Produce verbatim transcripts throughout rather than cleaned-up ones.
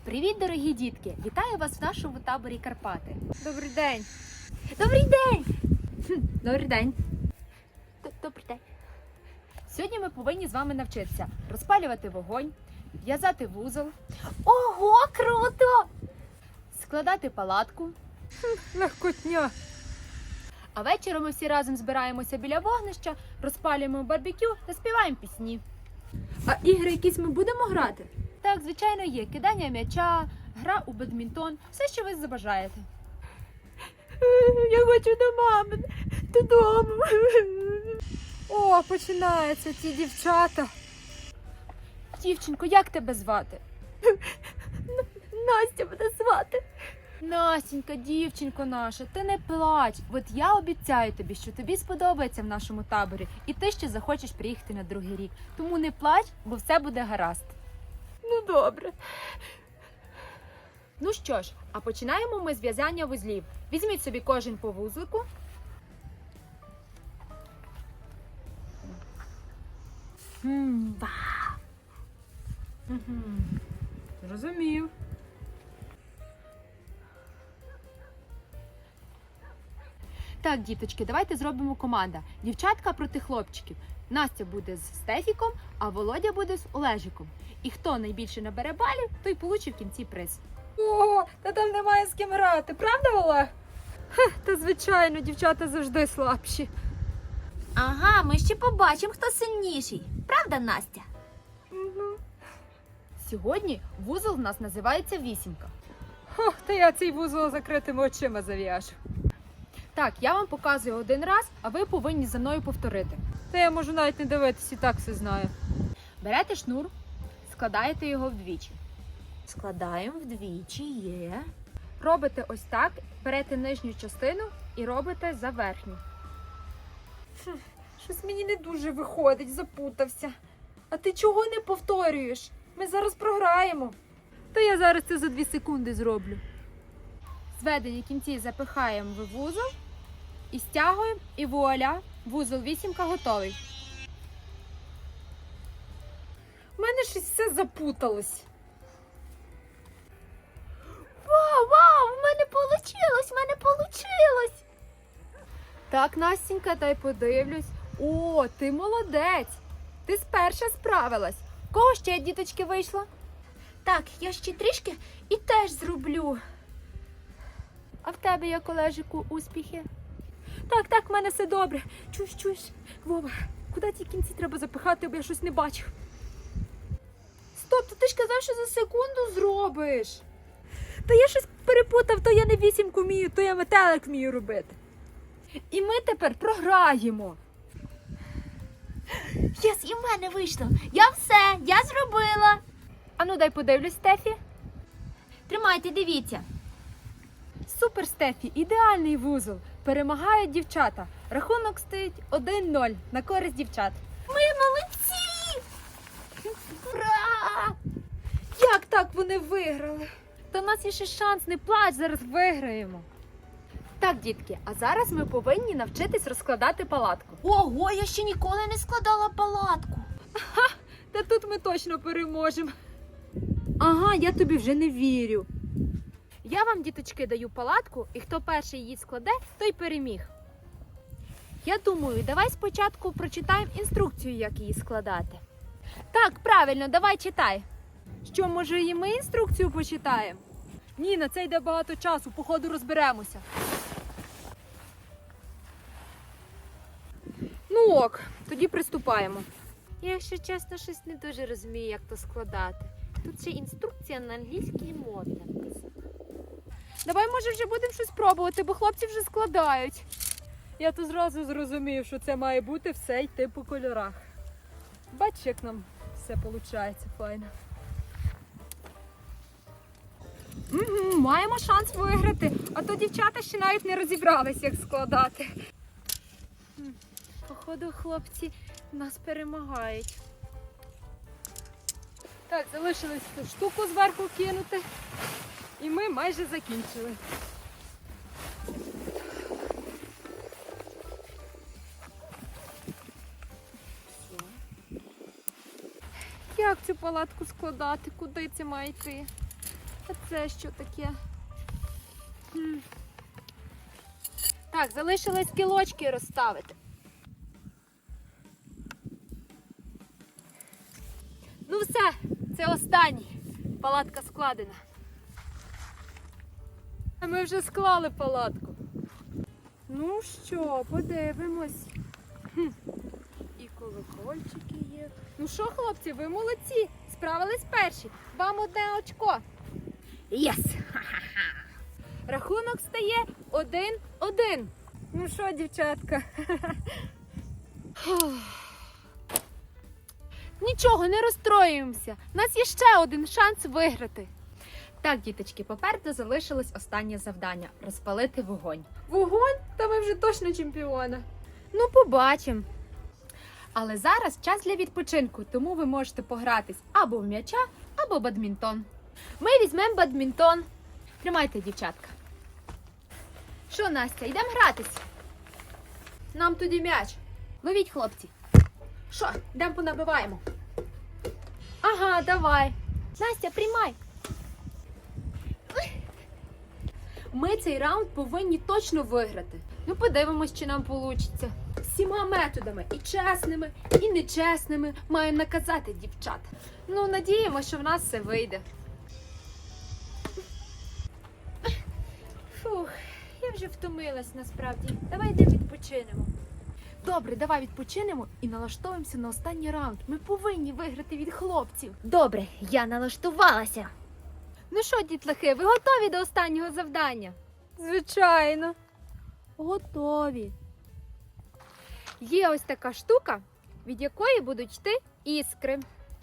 Привіт, дорогі дітки! Вітаю вас в нашому таборі Карпати. Добрий день. Добрий день! Хм, Добрий день. Д- Добрий день. Сьогодні ми повинні з вами навчитися розпалювати вогонь, в'язати вузол, Ого, круто! складати палатку. Легкотня. А вечором ми всі разом збираємося біля вогнища, розпалюємо барбекю та співаємо пісні. А ігри якісь ми будемо грати? Так, звичайно, є кидання м'яча, гра у бадмінтон, все, що ви забажаєте. Я хочу до мами, додому. О, починаються ці дівчата. Дівчинко, як тебе звати? Настя буде звати. Настенька, дівчинко наша, ти не плач. От я обіцяю тобі, що тобі сподобається в нашому таборі, і ти ще захочеш приїхати на другий рік. Тому не плач, бо все буде гаразд. Ну добре. Ну що ж, а починаємо ми з в'язання вузлів. Візьміть собі кожен по вузлику. М, Угу. Зрозумів. Так, діточки, давайте зробимо команда. Дівчатка проти хлопчиків. Настя буде з Стефіком, а Володя буде з Олежиком. І хто найбільше набере балів, той получить в кінці приз. Ого, та там немає з ким грати, правда, Олег? Хе, та звичайно, дівчата завжди слабші. Ага, ми ще побачимо, хто сильніший. Правда, Настя? Угу. Сьогодні вузол в нас називається вісімка. Ох, та я цей вузол закритими очима зав'яжу. Так, я вам показую один раз, а ви повинні за мною повторити. Та я можу навіть не дивитись, і так все знаю. Берете шнур, складаєте його вдвічі. Складаємо вдвічі, є. Робите ось так, берете нижню частину і робите за верхню. Щось мені не дуже виходить, запутався. А ти чого не повторюєш? Ми зараз програємо. Та я зараз це за дві секунди зроблю. Зведені кінці запихаємо в вузол і стягуємо, і вуаля, вузол вісімка готовий. У мене щось все запуталось. Вау, вау, в мене получилось, в мене получилось. Так, Настенька, дай подивлюсь. О, ти молодець! Ти сперша справилась. В кого ще, діточки, вийшло? Так, я ще трішки і теж зроблю. А в тебе, як Олежику, успіхи? Так, так, в мене все добре. Чуєш, чуєш? Вова, куди ті кінці треба запихати, бо я щось не бачив. Стоп, то ти ж казав, що за секунду зробиш. Та я щось перепутав, то я не вісімку вмію, то я метелик вмію робити. І ми тепер програємо. Єс, і в мене вийшло. Я все, я зробила. Ану, дай подивлюсь, Стефі. Тримайте, дивіться. Супер, Стефі, ідеальний вузол. Перемагають дівчата. Рахунок стоїть один нуль на користь дівчат. Ми молодці! Ура! Як так вони виграли? Та в нас є ще шанс, не плач, зараз виграємо. Так, дітки, а зараз ми повинні навчитись розкладати палатку. Ого, я ще ніколи не складала палатку. Та тут ми точно переможемо. Ага, я тобі вже не вірю. Я вам, діточки, даю палатку, і хто перший її складе, той переміг. Я думаю, давай спочатку прочитаємо інструкцію, як її складати. Так, правильно, давай читай. Що, може, і ми інструкцію почитаємо? Ні, на це йде багато часу, походу розберемося. Ну ок, тоді приступаємо. Я, якщо чесно, щось не дуже розумію, як то складати. Тут ще інструкція на англійській мові написана. Давай, може, вже будемо щось пробувати, бо хлопці вже складають. Я то зразу зрозумів, що це має бути все йти по кольорах. Бач, як нам все виходить файно. Угу, маємо шанс виграти, а то дівчата ще навіть не розібрались, як складати. Походу, хлопці нас перемагають. Так, залишилось цю штуку зверху кинути. І ми майже закінчили. Як цю палатку складати? Куди це має йти? А це що таке? Хм. Так, залишилось кілочки розставити. Ну все, це останній. Палатка складена. А ми вже склали палатку. Ну що, подивимось. Хм. І колокольчики є. Ну що, хлопці, ви молодці. Справились перші. Вам одне очко. Єс! Рахунок стає один-один. Ну що, дівчатка? Нічого, не розстроюємося. У нас є ще один шанс виграти. Так, діточки, попереду залишилось останнє завдання – розпалити вогонь. Вогонь? Та ми вже точно чемпіона. Ну, побачимо. Але зараз час для відпочинку, тому ви можете погратись або в м'яча, або бадмінтон. Ми візьмемо бадмінтон. Тримайте, дівчатка. Що, Настя, йдемо гратись? Нам тоді м'яч. Ловіть, хлопці. Що, йдемо понабиваємо? Ага, давай. Настя, приймай. Ми цей раунд повинні точно виграти. Ну, подивимось, чи нам вийде. Всіма методами, і чесними, і нечесними, маємо наказати дівчат. Ну, надіємося, що в нас все вийде. Фух, я вже втомилась насправді. Давай йди відпочинемо. Добре, давай відпочинемо і налаштовуємося на останній раунд. Ми повинні виграти від хлопців. Добре, я налаштувалася. Ну що, дітлахи, ви готові до останнього завдання? Звичайно. Готові. Є ось така штука, від якої будуть йти іскри.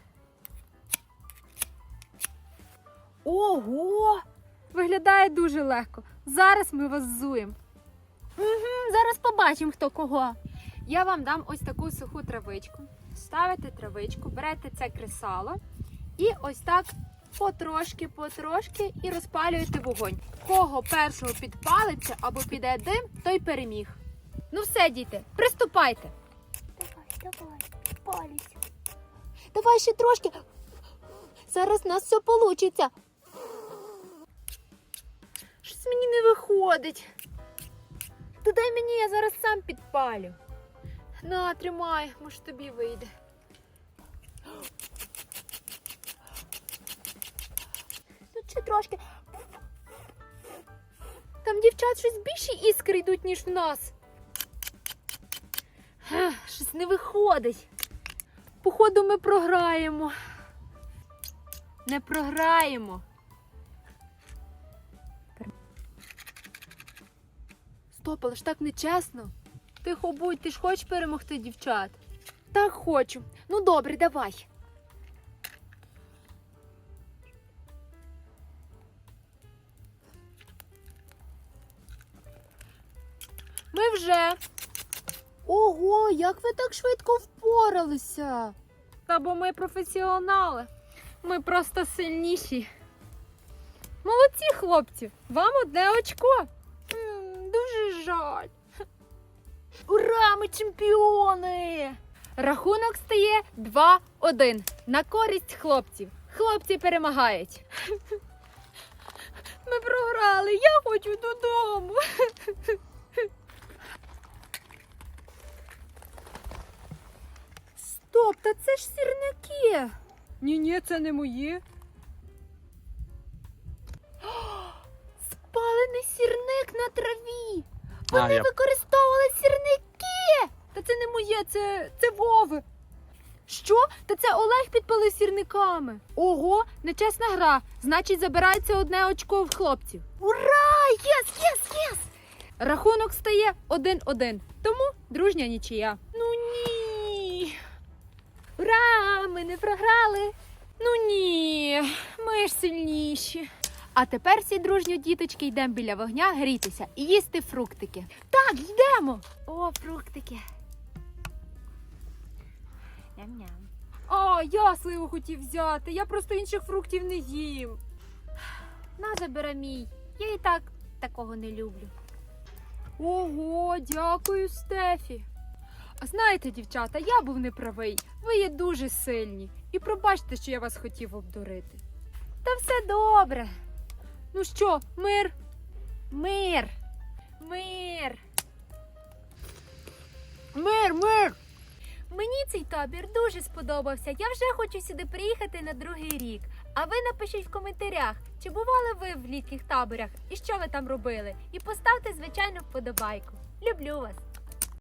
Ого! Виглядає дуже легко. Зараз ми вас зуємо. Угу, зараз побачимо, хто кого. Я вам дам ось таку суху травичку. Ставите травичку, берете це кресало і ось так потрошки, потрошки і розпалюєте вогонь. Кого першого підпалиться або піде дим, той переміг. Ну все, діти, приступайте. Давай, давай, палюсь. Давай ще трошки. Зараз у нас все вийде. Щось мені не виходить. То дай мені, я зараз сам підпалю. На, тримай, може тобі вийде. Тут ще трошки. Там дівчат щось більші іскри йдуть, ніж в нас. Ех, щось не виходить. Походу, ми програємо. Не програємо. Стоп, але ж так нечесно. Тихо будь, ти ж хочеш перемогти дівчат? Так хочу. Ну добре, давай. Ми вже. Ого, як ви так швидко впоралися? Та бо ми професіонали. Ми просто сильніші. Молодці, хлопці! Вам одне очко. М, дуже жаль. Ура, ми чемпіони! Рахунок стає два-один. На користь хлопців. Хлопці перемагають. Ми програли. Я хочу додому. Стоп, та це ж сірники. Ні-ні, це не мої. Спалений сірник на траві. А, Вони я... використовували сірники. Та це не моє, це, це Вови. Що? Та це Олег підпалив сірниками. Ого, нечесна гра. Значить, забирається одне очко в хлопців. Ура! Єс, єс, єс! Рахунок стає один-один. Тому дружня нічия. Ну ні. Ура! Ми не програли. Ну ні, ми ж сильніші. А тепер всі дружньо, діточки, йдемо біля вогня грітися і їсти фруктики. Так, йдемо. О, фруктики. Ням-ням. А, я сливу хотів взяти. Я просто інших фруктів не їм. На, забери мій. Я і так такого не люблю. Ого, дякую, Стефі. А знаєте, дівчата, я був неправий. Ви є дуже сильні. І пробачте, що я вас хотів обдурити. Та все добре. Ну що, мир? Мир! Мир! Мир, мир! Мені цей табір дуже сподобався. Я вже хочу сюди приїхати на другий рік. А ви напишіть в коментарях, чи бували ви в літніх таборах і що ви там робили. І поставте, звичайно, вподобайку. Люблю вас!